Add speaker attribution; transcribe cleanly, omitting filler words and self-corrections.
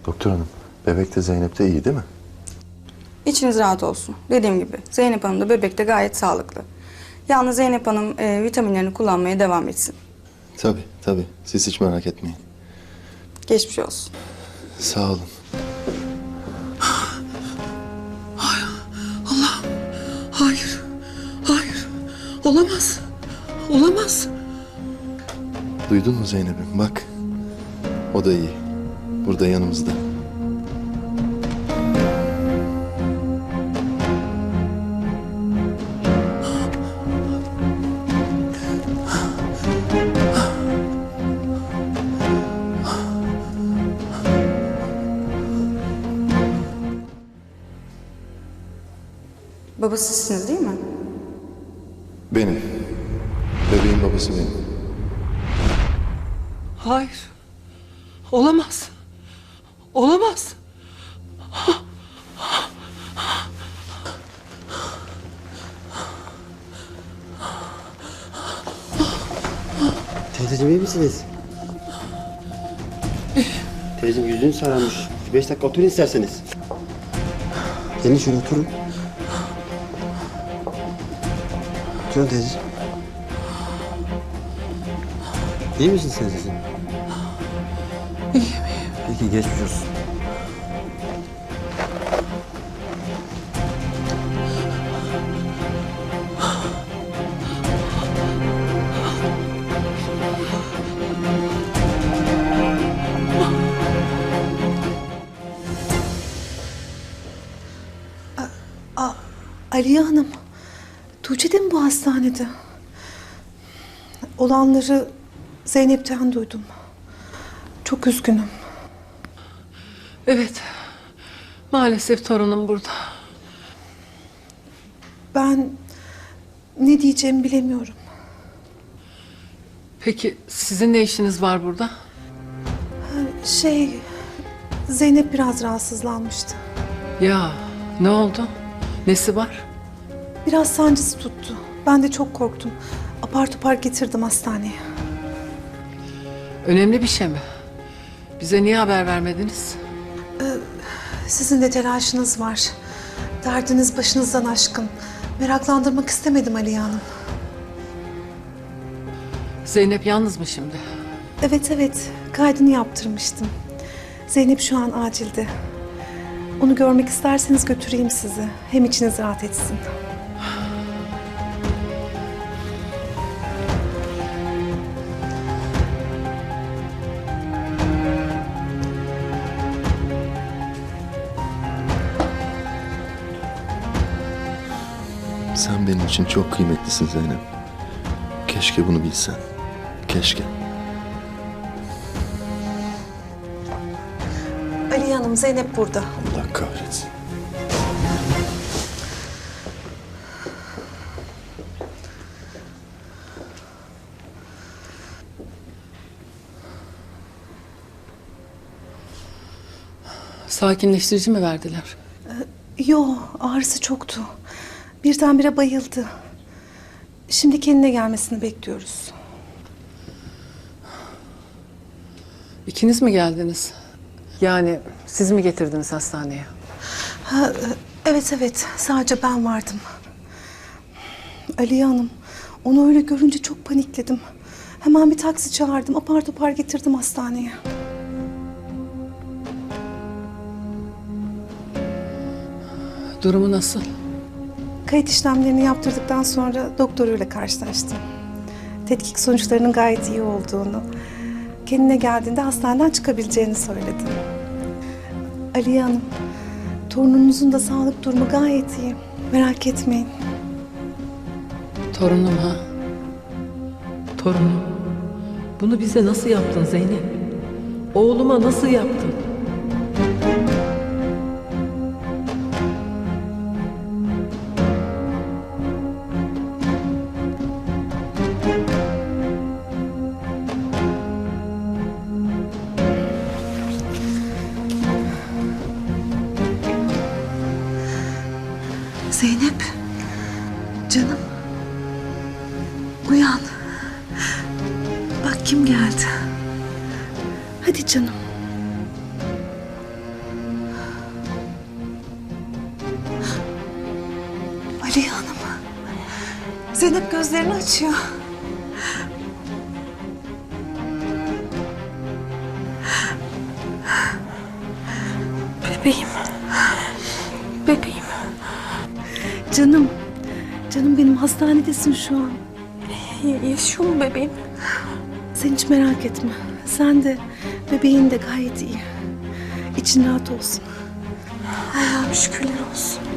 Speaker 1: Doktor hanım, bebek de Zeynep de iyi değil mi?
Speaker 2: İçiniz rahat olsun. Dediğim gibi Zeynep Hanım da bebek de gayet sağlıklı. Yalnız Zeynep Hanım vitaminlerini kullanmaya devam etsin.
Speaker 1: Tabii. Siz hiç merak etmeyin.
Speaker 2: Geçmiş olsun.
Speaker 1: Sağ olun.
Speaker 3: Hayır. Olamaz. Olamaz.
Speaker 1: Duydun mu Zeynep'im? Bak. O da iyi. Burada yanımızda.
Speaker 2: Babası sizsiniz değil mi?
Speaker 1: Benim. Bebeğin babası benim.
Speaker 3: Hayır. Olamaz. Olamaz.
Speaker 4: Teyzeciğim iyi misiniz? Teyzeciğim yüzün sararmış. 5 dakika oturun isterseniz. Gelin şöyle oturun. Oturun teyzeciğim. İyi misiniz teyzeciğim?
Speaker 3: İyiyim.
Speaker 4: Peki geçmiş olsun.
Speaker 5: Aliye Hanım, Tuğçe de mi bu hastanede? Olanları Zeynep'ten duydum. Çok üzgünüm.
Speaker 3: Evet. Maalesef torunum burada.
Speaker 5: Ben ne diyeceğimi bilemiyorum.
Speaker 3: Peki sizin ne işiniz var burada?
Speaker 5: Zeynep biraz rahatsızlanmıştı.
Speaker 3: Ya ne oldu? Nesi var?
Speaker 5: Biraz sancısı tuttu. Ben de çok korktum. Apar topar getirdim hastaneye.
Speaker 3: Önemli bir şey mi? Bize niye haber vermediniz?
Speaker 5: Sizin de telaşınız var. Derdiniz başınızdan aşkın. Meraklandırmak istemedim Aliye Hanım.
Speaker 3: Zeynep yalnız mı şimdi?
Speaker 5: Evet, kaydını yaptırmıştım. Zeynep şu an acilde. Onu görmek isterseniz götüreyim sizi. Hem içiniz rahat etsin.
Speaker 1: Sen benim için çok kıymetlisin Zeynep. Keşke bunu bilsen. Keşke.
Speaker 5: Aliye Hanım, Zeynep burada.
Speaker 1: Allah kahretsin.
Speaker 3: Sakinleştirici mi verdiler?
Speaker 5: Yo, ağrısı çoktu. Birdenbire bayıldı. Şimdi kendine gelmesini bekliyoruz.
Speaker 3: İkiniz mi geldiniz? Yani siz mi getirdiniz hastaneye?
Speaker 5: Evet, sadece ben vardım. Aliye Hanım, onu öyle görünce çok panikledim. Hemen bir taksi çağırdım, apar topar getirdim hastaneye.
Speaker 3: Durumu nasıl?
Speaker 5: Kayıt işlemlerini yaptırdıktan sonra doktoruyla karşılaştım. Tetkik sonuçlarının gayet iyi olduğunu, kendine geldiğinde hastaneden çıkabileceğini söyledi. Aliye Hanım, torununuzun da sağlık durumu gayet iyi. Merak etmeyin.
Speaker 3: Torunum ha?
Speaker 6: Torunum, bunu bize nasıl yaptın Zeynep? Oğluma nasıl yaptın?
Speaker 5: Zeynep, canım. Uyan. Bak kim geldi. Hadi canım. Aliye Hanım. Zeynep gözlerini açıyor.
Speaker 7: Bebeğim. Bebeğim.
Speaker 5: Canım. Canım benim hastanedesin şu an.
Speaker 7: Yaşıyor mu bebeğim?
Speaker 5: Sen hiç merak etme. Sen de bebeğin de gayet iyi. İçin rahat olsun.
Speaker 7: Allah'ım şükürler olsun.